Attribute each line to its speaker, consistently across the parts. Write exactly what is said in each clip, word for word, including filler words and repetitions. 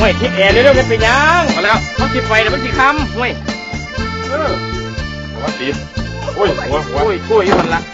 Speaker 1: ห่วยทิศแอร์เร็วๆกันเป็นยังมาแล้วเขาติดไฟแต่มันติดคำห่วยเออวัดดีโอ้ยหัวหัวโอ้ยโอ้ยมันละ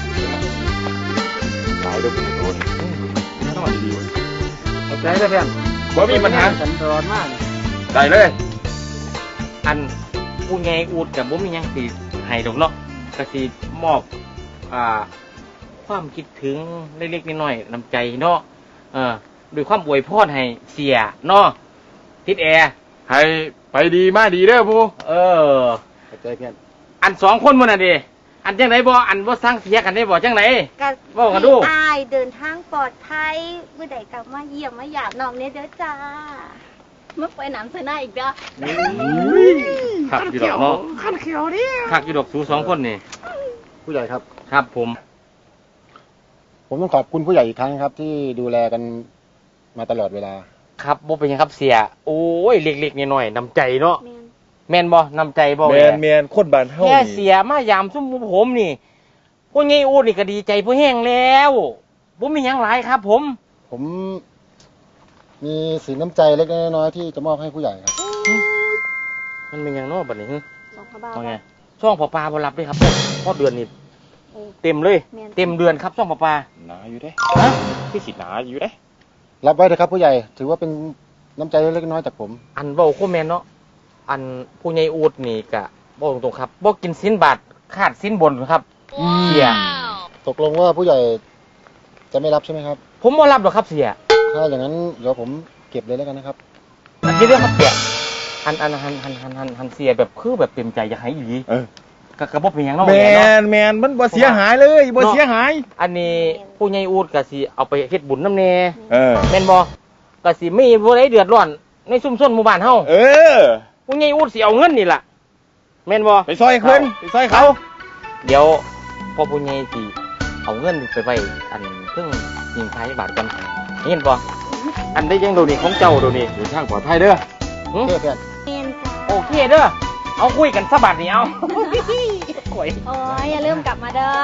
Speaker 1: ตายด้วยคุณโดนต้องมาดีๆเข้าใจได้เพื่อนบ่มีปัญหาสันดอนมากได้เลยอันอูไงอูดกับบ่มียังสีให้ดอกเนาะก็สีมอบอ่าความคิดถึงเล็กๆน้อยๆน้ำใจเนาะเออด้วยความอวยพรให้เสียเนาะทิศแอร์ให้ไปดีมาดีเด้อผู้เออเข้าใจเพื่อนอันสองคนมันน่ะดิอันจังไหนบ่อันบ่สร้างเสียกันได้บ่จังไหนบ่กันดู
Speaker 2: อายเดินทางปลอดภัยเมื่อใดกลับมาเยี่ยมมาหยาบน้องเนี่ยเด้อจ้าเมื่อไปน้ำใส่หน้าอีกเด้อ
Speaker 1: ขักอยู่ดอกเนาะขันเขียวดิขักอยู่ดอกสูสองคนนี่
Speaker 3: ผู้ใหญ่ครับ
Speaker 1: ครับผม
Speaker 3: ผมต้องขอบคุณผู้ใหญ่อีกครั้งครับที่ดูแลกันมาตลอดเวลา
Speaker 1: ครับบ่เป็นยังครับเสียโอ้ยเล็กๆน้อยๆน้ำใจเนาะแม่นบ่น้ำใจบ่
Speaker 4: แม่นแม่นคนบ้านเฮา
Speaker 1: แค่เสียมายามซุ่มผมนี่พวกงี้อูดนี่ก็ดีใจผู้แห้งแล้วบ่มีหยังหลายครับผม
Speaker 3: ผมมีสินน้ำใจเล็กน้อยที่จะมอบให้ผู้ใหญ่ครับ
Speaker 1: มันเป็นยังเนาะบัดนี้ฮึ
Speaker 2: สองพระบาท
Speaker 1: ว่าไงช่องพ่อปลาบ่รับด้วยครับพอเดือนนี้เต็มเลยเต็มเดือนครับช่องพ่อปลา
Speaker 4: หนาอยู่เด้
Speaker 1: ฮะ
Speaker 4: พี่สิหนาอยู่เด้
Speaker 3: รับไว้เถอะครับผู้ใหญ่ถือว่าเป็นน้ำใจเล็กน้อยจากผม
Speaker 1: อันเว้าโคแม่นเนาะอันผู้ใหญ่อูดนี่ก็บอกตรงๆครับบอกกินสินบาทขาดสินบนครับเสีย
Speaker 3: ตกลงว่าผู้ใหญ่จะไม่รับใช่ไหมครับ
Speaker 1: ผมไม่รับหรอกครับเสีย
Speaker 3: ถ้าอย่างนั้นเดี๋ยวผมเก็บเลยแล้วกันนะครับ
Speaker 1: อันนี้เรื่องครับเสียอันอันหันหันหันหันหันเสียแบบคือแบบเต็มใจอยากให้อีเออกระกระบอกเป็นอย่างน้อง
Speaker 4: แมนแมนมันบ่เสียหายเลยบ่เสียหาย
Speaker 1: อันนี้ผู้ใหญ่อูดก็สิเอาไปเฮ็ดบุญน้ำเน
Speaker 4: เออ
Speaker 1: แม่นบ่ก็สิไม่บ่ได้เดือดร้อนในชุมชนหมู่บ้านเฮา
Speaker 4: เออ
Speaker 1: ผู้ใหญ่อูดสิเอาเงินนี่ล่ะแม่นบ่
Speaker 4: ไปซอยเพิ่นไปซอยเขา
Speaker 1: เดี๋ยวพอผู้ใหญ่สิเอาเงินไปไว้อันเพิ่งยิงท้ายบาทกันเห็นบ่อันได้ยังโดนี่ของเจ้าโดนี่
Speaker 4: เดินทางปลอดภัยเด้อ
Speaker 3: โอเคเพื่อน
Speaker 1: โอเคเด้อเอาคุยกันสักบาทนี่เอา
Speaker 2: โอ้ยอย่าลืมกลับมาเด้อ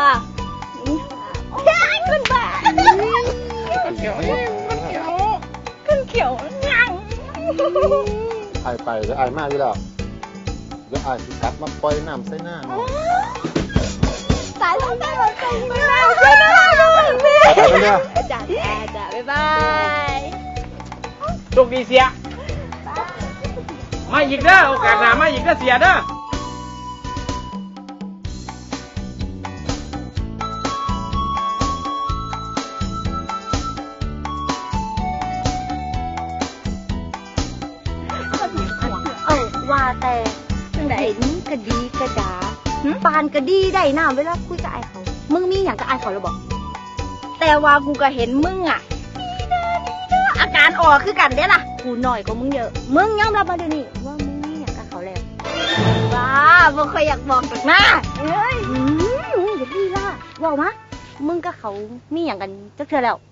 Speaker 2: ขึ้นบ้าขึ้นเขียวขึ้นเขียวงัง
Speaker 3: ไอไปจะไอมากอยู่แล้วเดี๋ยวไอสิกลับมาปล่อยน้ำใส่หน้า
Speaker 2: สายลมได้หมดใจไม่ได้ใส่หน้าด้วยแม่จ้าจ้าจ้าบ๊ายบาย
Speaker 1: โชคดีเสียมาอีกเด้อโอกาสหน้ามาอีกเด้อเสียเด้อ
Speaker 2: ว่าแต่ไหนนี่กระดีกระดาปานกระดีได้น้ำเวลาคุยกับไอ้เขามึงมีอย่างกับไอ้เขาหรือบอกแต่ว่ากูก็เห็นมึงอ่ะอาการออกคือกันเด้ล่ะกูหน่อยกว่ามึงเยอะมึงยอมรับมาเดี๋ยวนี้ว่ามึงมีอย่างกับเขาแล้วว้ามึงเคยอยากบอกจากหน้าเอ้ยอย่าดีล่ะบอกมะมึงกับเขามีอย่างกันจักเทื่อแล้ว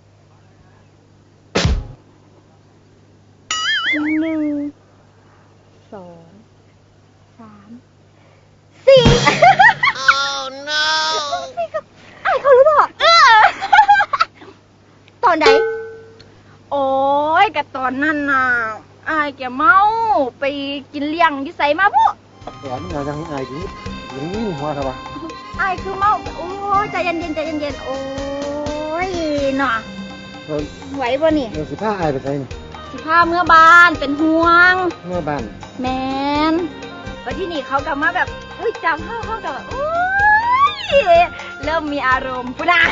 Speaker 2: หนึ่งสองสามสี่ oh no ไอ้เขารู้ป่ะเออตอนไหนโอ้ยกับตอนนั้นน่ะไอ้แกเมาไปกินเลี้ยงยิ่ใส่มาพวก
Speaker 3: แหมยังยังไอ้ที่ยังวิ่งหัวครับวะ
Speaker 2: ไอ้คือเมาโอ้ยใจเย็นเย็นใจเย็นเย็นโอ้ยน่ะไหวป่ะนี่
Speaker 3: เดี๋ยวสิพาไอ้ไปใส่นี่
Speaker 2: สิพาเมื่อบ้านเป็นห่วง
Speaker 3: เมื่อบ้าน
Speaker 2: แมนวันที่นี่เขากลับมาแบบอุ้ยจำเข้าเข้ากับแบบอุ้ยเริ่มมีอารมณ์ปุ๊นะ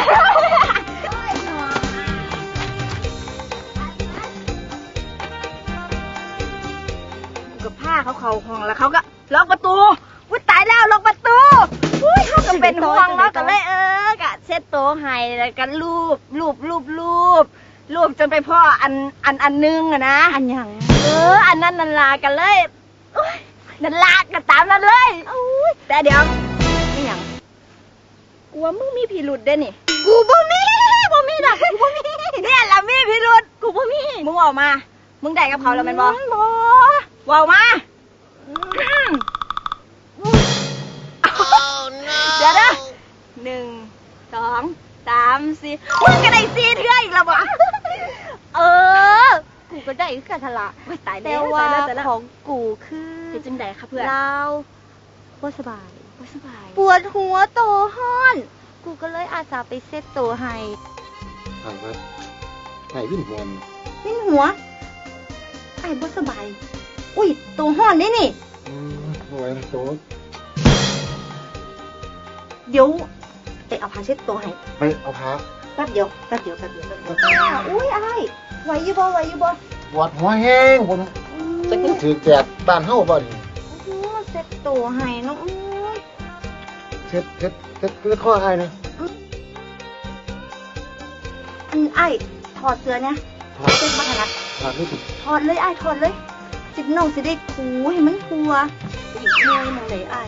Speaker 2: กับผ้าเขาเขาห้องแล้วเขาก็ล็อกประตูอุ้ยตายแล้วล็อกประตูอุ้ยเขาก็เป็นห่วงแล้วก็เลยเออกะเช็ดโต๊ะให้แล้วก็รูปรูปรูปรูปรูปจนไปพ่ออันอันอันนึงอะนะอันยังเอออันนั้นนันลากันเลยนันลากันตามนั้นเลยแต่เดี๋ยวนี่ยังกูว่ามึงมีพิรุธเด้นี่กูบ่มีบ่มีดอกกูบ่มีเนี่ยละมีพิรุธกูบ่มีมึงออกมามึงได้กับเขาแล้วแม่นบ่บ่ออกมาเดี๋ยวนะหนึ่งสองสามสี่มึงก็ได้สี่เทื่ออีกแล้วบ่เออกูก็ได้คือกันทละ
Speaker 5: โอ้ยตายแล้
Speaker 2: แต่
Speaker 5: ว
Speaker 2: ว่า
Speaker 5: ตายแล้วตายแล้ว
Speaker 2: ของกูคือ
Speaker 5: เป็นจังไดคะเพื่อน
Speaker 2: เราบ่สบาย
Speaker 5: บ่สบาย
Speaker 2: ปวดหัวโตห้อน กูก็เลยอาสาไปเซ็ตโตให้
Speaker 3: ไอ้มาไอ้วิ่งหวน
Speaker 2: วิ่นหัว ไอ้บ่สบาย อุ้ยโตห้อนนี่นี่
Speaker 3: อืมเอาไว้นะโต๊ะ
Speaker 2: เดี๋ยวไปเอาผ้าเช็ดตัวให้
Speaker 3: ไปเอาพา
Speaker 2: แป๊บเดียวแป๊บเดียวแป๊บเดียวแป๊บเดียวอุ้ยไอ้ายไหวอยู่บ่ไหวอยู่บ่
Speaker 3: ปวดหัวแห้งผมจะกินถือแจกบ้านเฮาบ่นี่
Speaker 2: อื้อมาเซ็ตตัวให้เนาะอื้อ
Speaker 3: เช็ดเช็ดเช็ดเช็ดข้อไอ้นะ
Speaker 2: อันไอ้ายถอดเสื้อเนี่ย
Speaker 3: ถอด
Speaker 2: เซ็ตมาถนัด
Speaker 3: ถอดไม่ถูก
Speaker 2: ถอดเลยไอ้ายถอดเลยสิบน้องสิได้ถูให้มันทัวอีกเมื่อยมองเลยไอ้าย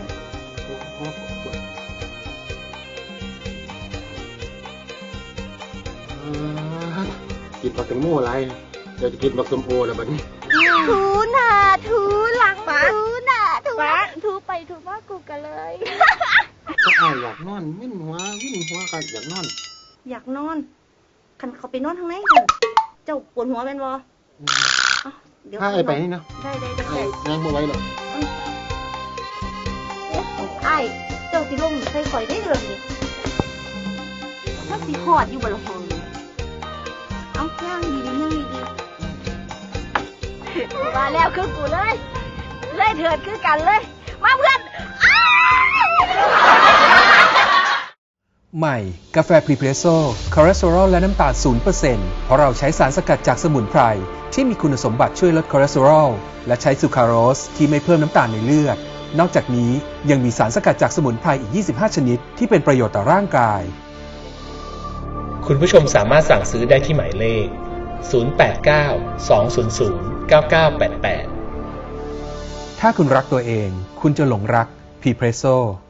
Speaker 3: อ่ากินบักแตงโมอะไรเดี๋ยวจะกินบักสมโอแล้วบัดนี้
Speaker 2: ถูหน้าถูหลัง
Speaker 5: ป๊า
Speaker 2: ถูหน้าถู
Speaker 5: ป๊า
Speaker 2: ถูไปถูมากูกันเลย
Speaker 3: ก็อ้ายอยากนอนวิ่นหัววิ่นหัวกันอยากนอน
Speaker 2: อยากนอนคันเขาไปนอนทางไหนกันเจ้าปวดหัวเป็นบ่เอ้าเดี๋ยว
Speaker 3: ถ้าไอ้ไปนี่นะ
Speaker 2: ได้ได้ได้
Speaker 3: ไอ้
Speaker 2: ได้
Speaker 3: ยังบ่ไหว้หรอก
Speaker 2: ไอ้เจ้าสิลงใส่ข่อยได้เดือนนี้ถ้าสิหอดอยู่บนห้องนี่เอาย่างดีดีย่างดีดี
Speaker 5: มาแล้วคือกูเลยเลยเถิดคือกันเลย มาเพื่อน
Speaker 6: ใหม่ กาแฟพรีเพรสโซ่คอเลสเตอรอลและน้ำตาล ศูนย์เปอร์เซ็นต์ เพราะเราใช้สารสกัดจากสมุนไพรที่มีคุณสมบัติช่วยลดคอเลสเตอรอลและใช้ซูคราโรสที่ไม่เพิ่มน้ำตาลในเลือด นอกจากนี้ยังมีสารสกัดจากสมุนไพรอีก ยี่สิบห้า ชนิดที่เป็นประโยชน์ต่อร่างกาย
Speaker 7: คุณผู้ชมสามารถสั่งซื้อได้ที่หมายเลข ศูนย์ แปด เก้า สอง ศูนย์ ศูนย์ เก้า เก้า แปด แปด
Speaker 6: ถ้าคุณรักตัวเอง คุณจะหลงรักพรีเพรสโซ่